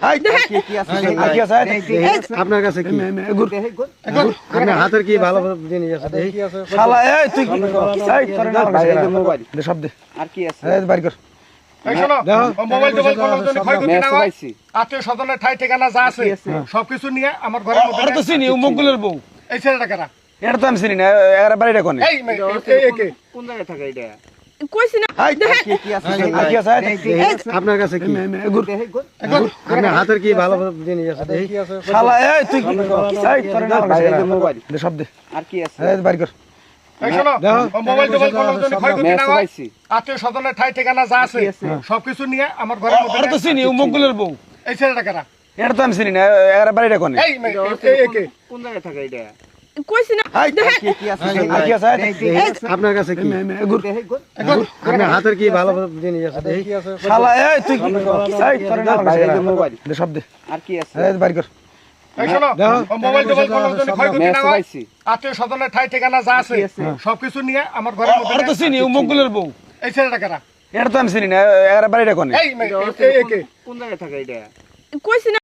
আপনার কাছে কি আপনার হাতের কি ভালো জিনিস আছে শালা এই তুই এই তোর মোবাইল সব দে আর কি আছে বাড়ি কর এই শোনো মোবাইল টোবাইল কোনো জন্য ক্ষয়ক্ষতি না হয় আত্মীয় স্বজনের ঠাই ঠিকানা যা আছে সবকিছু নিয়ে আমার ঘরের মধ্যে তো চিনি মুগগুলোর বউ এই ছেলেটা কারা এটা তো আমি চিনি না এর বাড়িটা কোনে এই একে কোন জায়গায় থাকে এটা কইছি না কি আছে আপনার কাছে কি আপনার হাতের কি ভালো জিনিস আছে শালা এই তুই এই তোর মোবাইল সব দে আর কি আছে বাড়ি কর এই শোনো মোবাইল টোবাইল কোনো জন্য ক্ষয়ক্ষতি না হয় আত্মীয় স্বজনের ঠাই ঠিকানা যা আছে সবকিছু নিয়ে আমার ঘরের মধ্যে তো চিনি মুগগুলোর বউ এই ছেলেটা কারা এটা তো আমি চিনি না এর বাড়িটা কোনে এই একে কোন জায়গায় থাকে এটা কইছি না কি আছে আপনার কাছে কি আপনার হাতের কি ভালো জিনিস আছে শালা এই তুই এই তোর মোবাইল সব দে আর কি আছে বাড়ি কর এই শোনো মোবাইল টোবাইল কোনো জন্য ক্ষয়ক্ষতি না হয় আত্মীয় স্বজনের ঠাই ঠিকানা যা আছে সবকিছু নিয়ে আমার ঘরের মধ্যে তো চিনি মুগগুলোর বউ এই ছেলেটা কারা এটা তো আমি চিনি না এর বাড়িটা কোনে এই একে কোন জায়গায় থাকে এটা কইছি না